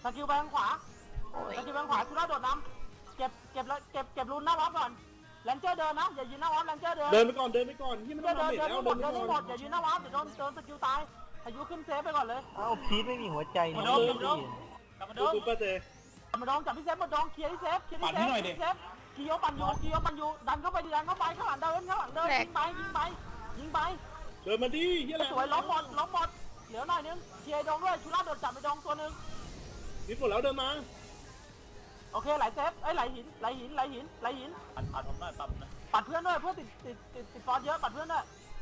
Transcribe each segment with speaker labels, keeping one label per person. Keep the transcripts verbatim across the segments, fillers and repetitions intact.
Speaker 1: กิลไปทางขวาสกิลไปทางขวาชุล่าโดดน้ำเก็บเก็บแล้วเก็บเก็บรูนหน้าวอฟก่อนแลนเจอร์เดินนะอย่ายืนหน้าวอฟแลนเจอร์เดิน
Speaker 2: เดินไปก่อนเดินไปก่อนที่มัน
Speaker 1: เดิ
Speaker 2: ต้อน ง
Speaker 1: เดิ
Speaker 2: มาน เบ็ด
Speaker 1: เดิน
Speaker 2: แล้ว
Speaker 1: ให้หม
Speaker 2: เดิ
Speaker 1: ด
Speaker 2: นไป
Speaker 1: เดิน
Speaker 2: ก่
Speaker 1: ให้
Speaker 2: อน
Speaker 1: หมดอย่ายืนหน้าวอฟเดี๋ยวโดนโดนสกิลตายพายุขึ้นเซฟไปก่อนเลย
Speaker 3: เอ้าพีทไม่มีหัวใจนี่
Speaker 2: ดูดูดูป้าเจ
Speaker 1: มาดองจับพี่เซฟมาดองเคลียร์ที่เซฟเคลียร์ที่เซฟเซฟกิโยปันยูกิโยปันยูดันเข้าไปดันเข้าไปข้างหลังเดินข้างหลังเดินยิงไปยิงไปยิงไป
Speaker 2: เดินมาดิเฮียอะไร
Speaker 1: สวยล้มหมดล้มหมดเหลือหน่อยนึงเคลียร์ดองด้วยชุล่าโดดจับไปดองตัวนึง
Speaker 2: นิดหมดแล้วเดินมา
Speaker 1: โอเคไหลเซฟไอ้ไหลหินไหลหินไหลหินไหลหิน
Speaker 4: ปัดปัดผมหน่อยปัดนะ
Speaker 1: ปัดเพื่อนด้วยเพื่อนติดติดติดติดฟอสเยอะปัดเพื่อนด้วย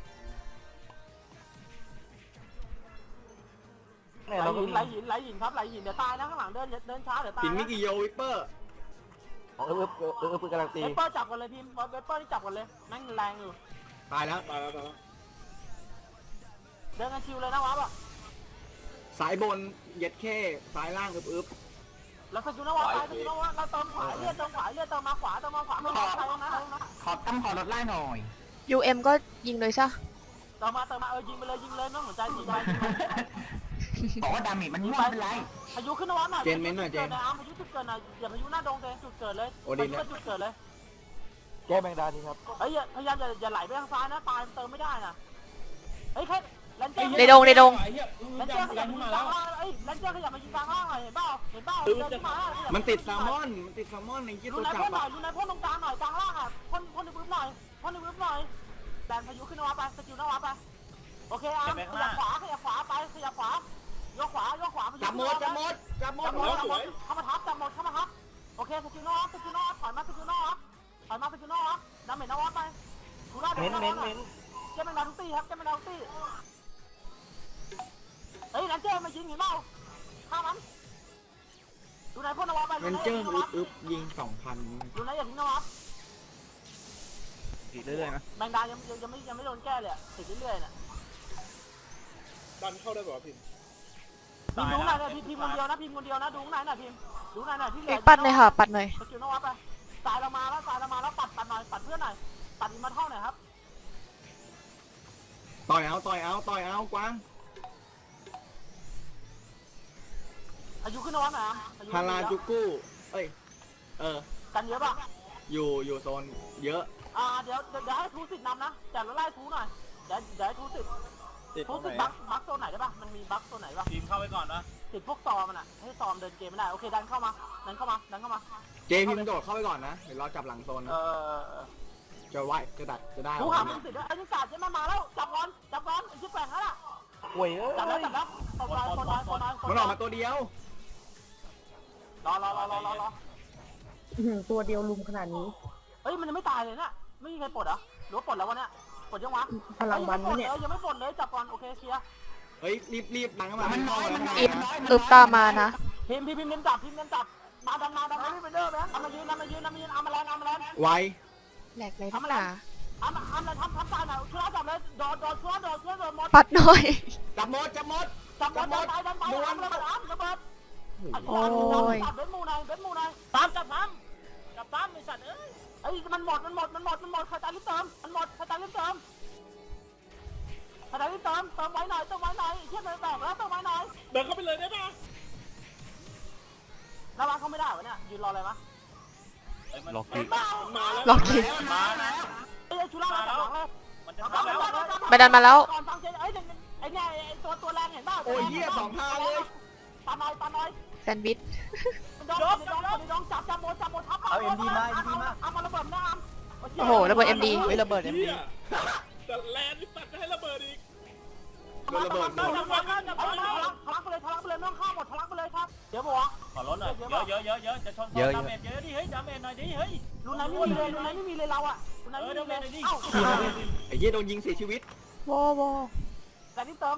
Speaker 3: เนี่ย
Speaker 1: ไหล
Speaker 3: เราก็
Speaker 1: หินไหลหินไหลหินครับไหลหินเดี๋ยวตายนะข้างหลังเดินเดินช้าเดี๋ยวตาย
Speaker 5: ปิน
Speaker 1: นะ
Speaker 5: มิกิโยวิปเปอร์
Speaker 3: เออเออเออเออเออกำลังตี
Speaker 1: เวเปอร์จับกันเลยทีมเวเปอร์นี่จับกันเลยแม่งแรงอยู่
Speaker 5: ตายแล้ว
Speaker 2: ตายแล้วตายแล้ว
Speaker 1: เดินกันชิวเลยนะวะป่ะ
Speaker 5: สายบนเย็ดเข้สายล่างอึบอึบ
Speaker 1: เราสกิลนะวะตายสกิลนะวะเราเติมขวาเลือดเติมขวาเลือดเติมมาขวาเติมมาขวาไม่ต้องใครตรงนั้นนะ
Speaker 5: ขอตั้มขอลดไล่หน่อย
Speaker 6: ยู เอ็ม ก็ยิงเลยใช่
Speaker 1: เติมมาเติมมาเออยิงไปเลยยิงเลยไม่ต้องสนใจยิงไป
Speaker 5: บอกว่าดาเมจมันไม่เป็นไร
Speaker 1: พายุขึ้นนะวะหน่อย
Speaker 5: เจนเม้นหน่อยเจน
Speaker 1: พายุจุดเกิดหน่อยอย่าพายุหน้าดงเจนจุดเกิดเลย
Speaker 5: โอดินเนี่ย
Speaker 1: จุดเกิดเลย
Speaker 3: แก้แมงดาทีครับ
Speaker 1: เฮ้ยพยายามอย่าอย่าไหลไปทางซ้ายนะตายเติมไม่ได้นะเฮ้ยแค่แลนเจอร์
Speaker 6: ในดงในดง
Speaker 1: แลนเจอร์ขยับมายิงกลางล่างเอ้ยแลนเจอร์ขยับมายิงกลางล่างหน่อยเห็นเปล่าเห็นเปล่าเดินขึ้นมา
Speaker 5: มันติดแซลมอนมันติดแซลมอนในยี่
Speaker 1: ดู
Speaker 5: ตัว
Speaker 1: นาย
Speaker 5: จั
Speaker 1: พ่
Speaker 5: บ
Speaker 1: นหน่
Speaker 5: อะ
Speaker 1: อยดูนายพ่นตรงกลางหน่อยกลางล่างอ่ะพ่นพ่นในพื้นหน่อยพ่นในพื้นหน่อยแดนพายุขึ้นนวัดไปสกิลนวัดไปโอเคอาร์มขยับขวาขยับขวาไปขยับขวายกขวายกขวา
Speaker 5: จับหมดจับหมดจับหมด
Speaker 1: จับหมดจับหมดเข้ามาทับจับหมดเข้ามาทับโอเคสกิลนวัดสกิลนวัดถอยมาสกิลนวัดถอยมาสกิลนวัดดาเมจนวัดไปดูได้
Speaker 3: เม้นเม้นเม้น
Speaker 1: เจ้าแมงดาทุกตีครับเจ้าแมงดาทุกตีเฮ้ยนั่นเจ้ามายิงเห็นเปล่าฆ่ามันดูนายพ่นนวัดไป
Speaker 5: มันเจิ้งอึบอึบยิงสองพัน
Speaker 1: ดูนายอย่าทิ้งนวัด
Speaker 3: ตีเรื่อยๆนะ
Speaker 1: แมงดายังยังยังไม่ยังไม่โดนแก้เลยติดเรื่อยๆน่ะ
Speaker 2: ดันเข้าได้ป่าวพิม
Speaker 1: พิมดูไหนเนี่ยพิมพิมคนเดียวนะพิมคนเดียวนะดูไหนน่ะพิมดูไหนน่ะที่เหลื
Speaker 6: เอก
Speaker 1: อ
Speaker 6: ปัดหน่อยค่ะ ปัดหน่อย
Speaker 1: สกิลนวัดไปตายเรามาแล้วตายเรามาแล้วปัดปัดหน่อยปัดเพื่อนหน่อยปัดอินมาเท่าหน่อยครับ
Speaker 5: ต่อยเอาต่อยเอาต่อยเอากวาง
Speaker 1: อายุขึ้นนวัดหน่อยอายุ
Speaker 5: พาราจูกู้เอ้ยเออ
Speaker 1: กันเยอะป่ะ
Speaker 5: อยู่อยู่โซนเยอะ
Speaker 1: อ่าเดี๋ยวเดี๋ยวให้ทูสิทธิ์นำนะแต่เราไล่ทูหน่อยเดี๋ยวเดี๋ยวให้ทูสิทธิ์
Speaker 3: ติดต
Speaker 1: ทู
Speaker 3: รงไหน
Speaker 1: สิทธิ์บักบักโซนไหนได้ป่ะมันมีบักโซนไหนป่ะ
Speaker 4: ทีมเข้าไปก่อนนะ
Speaker 1: ติดพวกซอมันอ่ะให้ซอมเดินเกมไม่ได้โอเคดันเข้ามาดันเข้ามาดันเข้ามา
Speaker 5: เจพิมพ์โดดเข้าไปก่อนนะเดี๋ยวเราจับหลังโซน
Speaker 1: เอ
Speaker 5: นะ
Speaker 1: อ
Speaker 5: จะไหวจะดัดจะได้
Speaker 1: ทูหามันสิทธิ์ด้วยไอ้นี่กาดจะมามาแล้วจับก่อนจับก่อนไอ้ชิบแปลงแล้วล่ะ
Speaker 3: ห่วยเอ้
Speaker 1: จับแล้ว
Speaker 3: ย
Speaker 1: จับแล้วตบน้อยตบน้อยตบน้อย
Speaker 5: มันออกมาตัวเดียว
Speaker 1: รอรอรอรอรอรอ
Speaker 7: ตัวเดียวลุมขนาดนี้
Speaker 1: เฮ้ยมันยังไม่ตายเลยเนี่ยไม่มีใครปลดเหรอหรือว่าปลดแล้ววะเนี่ยปลดยังวะ
Speaker 7: พลังบันวะเนี่ย
Speaker 1: ยังไม่ปลดเลยจับก่อนโอเคเคลียร์
Speaker 5: เฮ้ยรีบรีบดังเข้ามามันน้อยมันน้อย
Speaker 6: อิบอึบตามมานะ
Speaker 1: พิมพ์พิมพ์พิมพ์เน้นจับพิมพ์เน้นจับมาดันมาดันมาไม่เป็นเด้อแบงค์เอามายืนเอามายืนเอามายืนเอามาแรงเอามาแรง
Speaker 5: ไว
Speaker 6: แหลกเลยทั้งหนา
Speaker 1: เอามาเอามาทำทำตายหน่อยช่วยจับเลยโดดโดดช่วยโดดช่วยโดดหมด
Speaker 6: ปัดหน่อย
Speaker 5: จับหมดจับหมด
Speaker 1: จับหมดดันไปดันไปดันไประเบิดอ้ำระเบิด
Speaker 6: โอ้ย
Speaker 1: จับเบ็ดมูหน่อยเบ็ดมูหน่อย
Speaker 4: ตามจับตามจับตามไอ้สัตว์เอ้ย
Speaker 1: ไอ้มันหมดมันหมดมันหมดมันหมดใครตายรีบเติมมันหมดใครตายรีบเติมใครตายรีบเติมเติมไว้หน่อยเติมไว้หน่อยเชี่ยมันแตกแล้วเติมไว้หน่อย
Speaker 2: เดินเข้าไปเลยได้ป่ะ
Speaker 1: ระวังเขาไม่ได้วะเนี่ยยืนรออะไรมะ
Speaker 3: ล็อก
Speaker 1: เห็
Speaker 3: ตี
Speaker 1: นเปล่า
Speaker 2: มาแล้ว
Speaker 6: ล็อกคิด
Speaker 4: มานะ
Speaker 1: ไอ้ชุล่าเราจับหลังเลย
Speaker 4: มันจะเข้าแล้ว
Speaker 6: ไปดันมาแล้ว
Speaker 1: ก่อนฟังเจไอ้ไอ้เนี่ยไอ้ตัวตัวแรงเห็นเปล่า
Speaker 5: โอ้ยเหี้ยสองทางเลย
Speaker 1: ปาน้อยปาน้อย
Speaker 6: แซนด์วิช
Speaker 1: ดองดองดองจับจับโมจับโมทับเอามาระเบิดหน้า
Speaker 6: โอ้โหระเบิด เอ็ม ดี
Speaker 3: เฮ้ยระเบิดเอ็มดี
Speaker 2: แต่แลนนี่ตัดจะให้ระเบิดอีก
Speaker 5: โดนระเบิดหมด
Speaker 1: ทะลักไปเลยทะลักไปเลยไม่ต้องข้ามหมดทะลักไปเลยครับเดี๋ยวบอก
Speaker 4: ขอรถหน่อยเยอะเยอะเยอะเยอะจะชนดาเมจเยอะดิเฮ้ยดาเมจหน่อยดิเฮ้ย
Speaker 1: รุ่นไหนไม่มีเลยรุ่นไหนไม่มีเลยเราอะรุ่นไหนไม่มีเลยเอ้า
Speaker 5: ไอ้เหี้ยโดนยิงเสียชีวิต
Speaker 6: โวโว
Speaker 1: แต่นี่เติม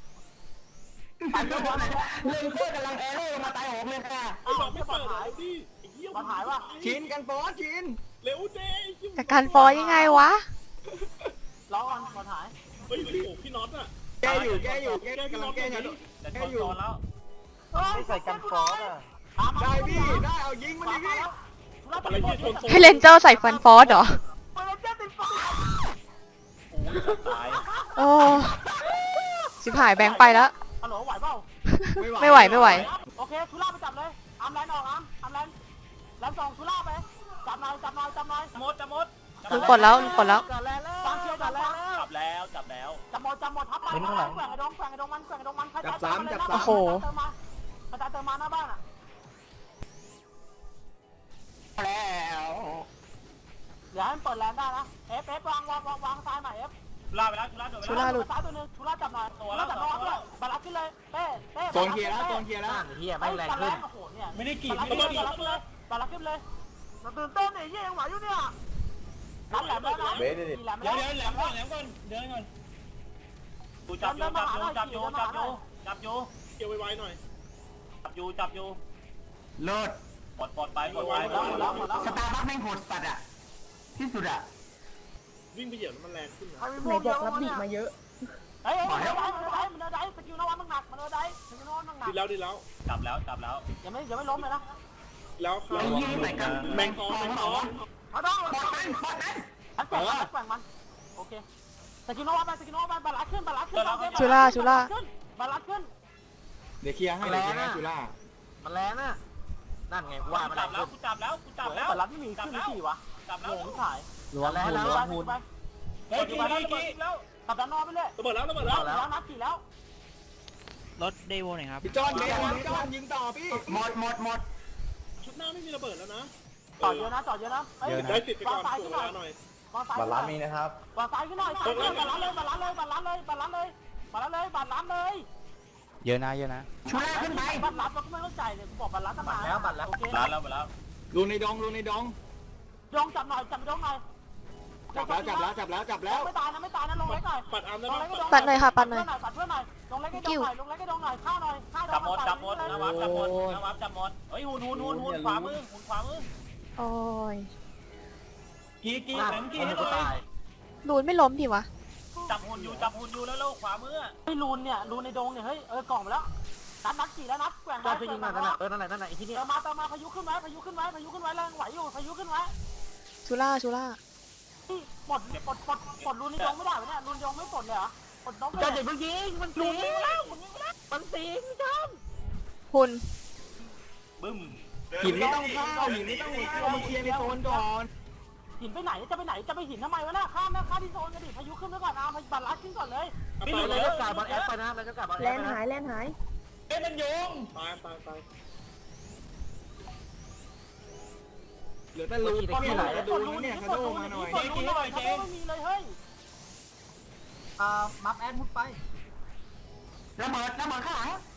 Speaker 3: เล่นโคตรกำลังแอร์เร่มาตายหงเลยค่ะ
Speaker 2: ไอ้บอกไม่เปิดเลยดิไอ้เหี้ย
Speaker 1: มาหายว่ะ
Speaker 5: ชินกันฟอสชิน
Speaker 2: เร็วเจ๊
Speaker 6: แต่การฟอยังไงวะ
Speaker 1: ร้อนมาหาย
Speaker 2: เฮ้ยโอ้โหพี่น็อตอะ
Speaker 5: แก้อยู่แก้อยู่แก้กำลังแก้อยู่
Speaker 4: จะชนโซนแล้ว
Speaker 3: ไม่ใส่กันฟอสอ่ะ
Speaker 5: ได้พี่ได้เอายิงมันดิพี่
Speaker 2: อะไรที่ชนโซน
Speaker 6: ให้เลนเจอร์ใส่ฟันฟอสเหรอ
Speaker 1: เลนเจอร์ติดไฟ
Speaker 4: โอ้ยตาย
Speaker 6: โอ้สิบหายแบงค์ไปแล้ว
Speaker 1: ฮัลโหลไหวเปล่า
Speaker 6: ไม่ไหวไม่ไหว
Speaker 1: โอเคเคชุล่าไปจับเลยอัมแลนออกอัมอัมแลนแลนสองชุล่าไปจับหน่อยจับหน่อยจับหน่อย
Speaker 4: หมดจะหมด
Speaker 6: ลุงกดแล้วลุงกดแล้ว
Speaker 1: ฟังเชียร์จับแล้ว
Speaker 4: จับแล้วจับแล้ว
Speaker 1: จับหมดจับหมดทับไปแกว่งไอ้ดงแกว่งไอ้ดงมันแกว่งไอ้ดงมันกระจายเติมมาเติมมาหน้าบ้านอ่ะ
Speaker 3: แล้ว
Speaker 1: เดี๋ยวให้มันเปิดแลนได้นะเอฟเอฟวางวางวางวางซ้ายหน่อยเอฟ
Speaker 4: ชุล่าไปแล้วชุล่าโดนไป
Speaker 6: ชุ
Speaker 4: แล้
Speaker 6: ล่าว หลุด
Speaker 1: ซ้ายตัวนึงชุล่าจับหน่อยชุล่าจับน้องด้วยบาลักขึ้นเลยเต้เต้
Speaker 5: โซนเคลียร์แล้วโซนเคลียร์แล้ว
Speaker 3: เฮียไม่แรงขึ้น
Speaker 1: โอ้โหเนี่ย
Speaker 4: ไม่ได้กีด
Speaker 1: บาลัก
Speaker 4: ไม่
Speaker 1: ขึ้น
Speaker 4: ได้
Speaker 1: เลย
Speaker 4: กีด
Speaker 1: บาลักขึ้นเลยบาลักขึ้นเลยตื่นเต้นไอ้เหี้ยยังไหวอยู่เนี่ยนั่นแหลมแล้วนะแหลม
Speaker 4: เดี๋
Speaker 1: แล้
Speaker 4: ยว วเดี๋ยวแหลมก่อนแหลมก่อนเดินก่อนกูจับอยู่จับอยู่จับอยู่จับอยู่จับอยู่
Speaker 2: เกี่ยวไวๆหน่อย
Speaker 4: จับอยู่จับอยู่
Speaker 3: เลิศ
Speaker 4: ปลดปลดไปปลดไป
Speaker 1: แล้วแล้วแล้ว
Speaker 3: สตาร์บัคแม่งโหดสัตว์อ่ะที่สุดอ่ะ
Speaker 2: วิ่งไปเหยียบแล้วมันแรงขึ้นนะ
Speaker 7: ไหนบอกรับดิมาเยอะ
Speaker 1: เฮ้ยมันเดินได้มันเดินได้มันเดินได้สกิลนวัตมันหนักมันเดินได้สกิลนวัตมันหนัก
Speaker 2: ดีแล้วดีแล้ว
Speaker 4: จับแล้วจับแล้ว
Speaker 1: อย่าไม่อย่าไม่ล้มเลยนะ
Speaker 2: แล้วเข้า
Speaker 3: ไอ้ยี่ใส่กัน
Speaker 2: แมงทองแมงทอง
Speaker 1: เขาต้อง
Speaker 3: บอดมันบอดมัน
Speaker 1: ฉันแกว่งมันแกว่งมันโอเคสกิลนวัตไปสกิลนวัตไปบาลักขึ้นบาลักขึ้น
Speaker 6: ชุล่าชุล่า
Speaker 1: บาลักขึ้น
Speaker 5: เดี๋ยวเคลียร์ให้เดี๋ยวเคลียร์ให้จุฬา
Speaker 3: มันแรงอ่ะนั่นไง
Speaker 4: กู
Speaker 3: ว่ามัน
Speaker 4: จับแล้วกูจับแล้วกูจับแล้ว
Speaker 1: บาลักไม่มีขึ้นที่วะ
Speaker 4: จับ
Speaker 1: โห
Speaker 4: แล้ว
Speaker 1: งถ่าย
Speaker 3: ล้วงแล้วล้วงหุ่น
Speaker 1: ไป
Speaker 4: เฮ้ยกีกีกีแล้ว
Speaker 1: ขับด้านนอกไปเลย
Speaker 2: ระเบิดแล้วระเบิด
Speaker 1: แล้
Speaker 2: แล้ว ว
Speaker 1: แล้วนับกี่แล้ว
Speaker 8: รถเดโวหน่อยครับ
Speaker 5: พี่จอนเบสพี่จอนยิงต่อพี่
Speaker 3: หมดหมดหมด
Speaker 2: ชุดหน้าไม่มีระเบิดแล้วนะ
Speaker 1: จอดเยอะนะจอดเยอะนะ
Speaker 2: ได้สิทธิ์ไปก่อนถูกเวลาหน่อย
Speaker 1: วางซ้าย
Speaker 3: บาลานซ์มีนะครับ
Speaker 1: วางซ้ายขึ้นหน่อยบาลานเลยบาลานเลยบาลานเลยบาลานเลยบาลานเลยบาลานเลย
Speaker 8: เยอะนะเยอะนะ
Speaker 3: ชูล่าขึ้นไป
Speaker 1: บาลานเราก็ไม่เข้าใจเลยกูบอกบาลานตั้งนานโอเค
Speaker 4: ร้านแล้วไปแล้ว
Speaker 5: รูในดองรูในดอง
Speaker 1: ดงจับหน่อยจับดงหน่อย
Speaker 5: จับแล้วจับแล้วจับแล้วจับแล้ว
Speaker 1: ไม่ตายนะไม่ตายนะลงเล็กหน่อย
Speaker 2: ปัดอาร์มได้
Speaker 1: ลง
Speaker 2: ไหม
Speaker 1: เล็กก็ดง
Speaker 6: ปัดหน่อยค่ะปัดหน่อย
Speaker 1: ปัดเพื่อนหน่อยลงเล็กก็ดงหน่อยลงเล็กก็ดงหน่อยฆ่าหน่อยฆ่าด
Speaker 4: จับ
Speaker 1: ง
Speaker 4: หมดจับหมดนะวับจับหมดนะวับจับหมดเฮ้ยหุ่นหุ่นหุ่นหุ่นขวามือหุ่นขวามือ
Speaker 6: โอ้ย
Speaker 4: กีกีแหลมกีให้หน่อย
Speaker 6: ลูนไม่ล้มดิวะ
Speaker 4: จับหุ่นอยู่จับหุ่นอยู่แล้วแล้วขวามือ
Speaker 1: เฮ้ยลูนเนี่ยลูนในดงเนี่ยเฮ้ยเออกล่องไปแล้วนัดนัดกี่แล้วนัดแกว่ง
Speaker 3: จอดจะยิงมานั่นน่ะเออนั่นแหละนั่นแหละไอ้ที่นี่
Speaker 1: เติมมาเติมมาพายุขึ้นไว้พายุขึ้นไว้พายุขึ้นไว้แรงไหวอยู่พายุขึ้นไว้
Speaker 6: ชุล่าชุล่า
Speaker 1: นี่ปลดปลดปลดปลดลูนในดงไม่ได้วะเนี่ยลูนดงไม่ปลดเลยเหรอปลดดงไม่
Speaker 3: จอ
Speaker 1: ได้
Speaker 3: ดอย่าเพิ่งยิงมัน
Speaker 1: ลู
Speaker 3: สิ
Speaker 1: นยิงแล้วลูนยิงแล้ว
Speaker 3: มันสิพี่จอน
Speaker 6: หุ่น
Speaker 4: บึ้ม
Speaker 5: หินไม่ต้องเข้าหินไม่ต้องเข้ามาเคลียร์ในโซนก่อน
Speaker 1: หินไปไหนจะไปไหนจะไปหินทำไมวะน่ะข้ามนะข้ามที่โซนกันดิพายุขึ้นไว้ก่อนนะพายุบัลลัสขึ้นก่อนเลย
Speaker 4: ไม่
Speaker 3: เรา
Speaker 4: เหลือ
Speaker 3: จะกลับบอลแอปไปนะเราจะกลับบอล
Speaker 7: แล
Speaker 3: แอป
Speaker 7: น
Speaker 3: ไป
Speaker 7: หาย
Speaker 3: นะ
Speaker 7: แลนหาย
Speaker 4: เอ้ยมันโยง
Speaker 2: ตายตายตาย
Speaker 5: เหลือแต่รูพี่ไหลจะดูเนี่ยคาโดมาหน่อย
Speaker 1: ปลดลูนหน่อยเจ๊ไม่มีเลยเฮ้ย
Speaker 3: อ่ามัฟแอดมุดไประเบิดระเบิดข้างหลัง